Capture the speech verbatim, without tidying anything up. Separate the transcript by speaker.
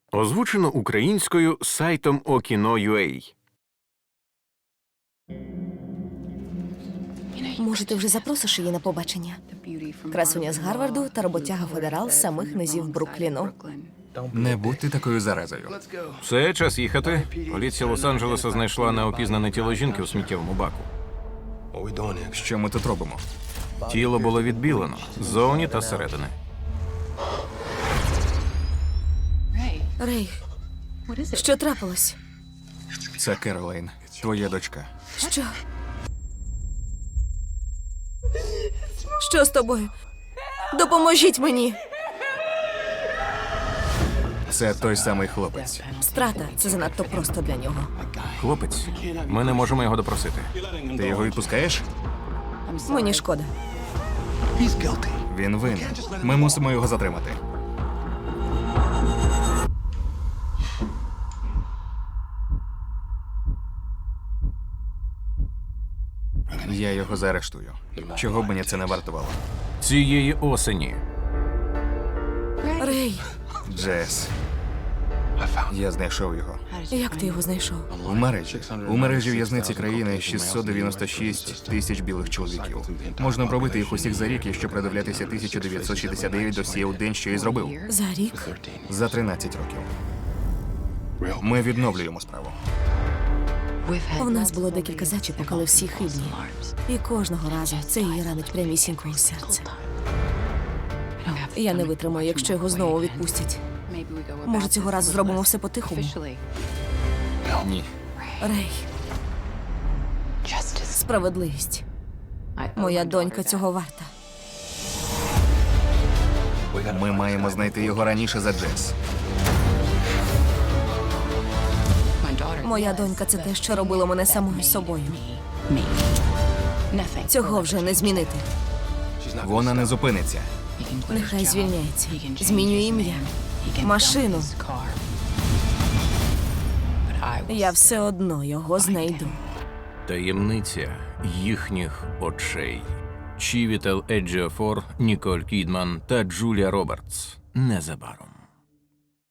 Speaker 1: Озвучено українською сайтом Okino.ua.
Speaker 2: Може, ти вже запросиш її на побачення? Красуня з Гарварду та роботяга федерал з самих низів Брукліну.
Speaker 3: Не будьте такою заразою.
Speaker 1: Все, час їхати. Поліція Лос-Анджелеса знайшла неопізнане тіло жінки у сміттєвому баку.
Speaker 3: Що ми тут робимо?
Speaker 1: Тіло було відбілено ззовні та зсередини.
Speaker 2: Рей, що трапилось?
Speaker 3: Це Керолайн, твоя дочка.
Speaker 2: Що? Що з тобою? Допоможіть мені!
Speaker 3: Це той самий хлопець.
Speaker 2: Страта – це занадто просто для нього.
Speaker 1: Хлопець, ми не можемо його допросити.
Speaker 3: Ти його відпускаєш?
Speaker 2: Мені шкода.
Speaker 3: Він винен. Ми мусимо його затримати. Я його заарештую. Чого б мені це не вартувало?
Speaker 1: Цієї осені.
Speaker 2: Рей,
Speaker 3: Джес. Я знайшов його.
Speaker 2: як ти його знайшов?
Speaker 3: У мережі. У мережі в'язниці країни шістсот дев'яносто шість тисяч білих чоловіків. Можна пробити їх усіх за рік, якщо придивлятися тисяча дев'ятсот шістдесят дев'ять досьє у день, що і зробив.
Speaker 2: За рік?
Speaker 3: За тринадцять років. Ми відновлюємо справу.
Speaker 2: У нас було декілька зачіпок, але всі хибні. І кожного разу це її ранить прямісінько у серце. Я не витримаю, якщо його знову відпустять. Може, цього разу зробимо все по-тихому?
Speaker 3: Ні.
Speaker 2: Рей, справедливість. Моя донька цього варта.
Speaker 3: Ми маємо знайти його раніше за Джес.
Speaker 2: Моя донька – це те, що робило мене самою собою. Цього вже не змінити.
Speaker 3: Вона не зупиниться.
Speaker 2: Нехай звільняється. Змінює ім'я. Машину. Я все одно його знайду.
Speaker 1: Таємниця їхніх очей. Чівітел Еджіофор, Ніколь Кідман та Джулія Робертс. Незабаром.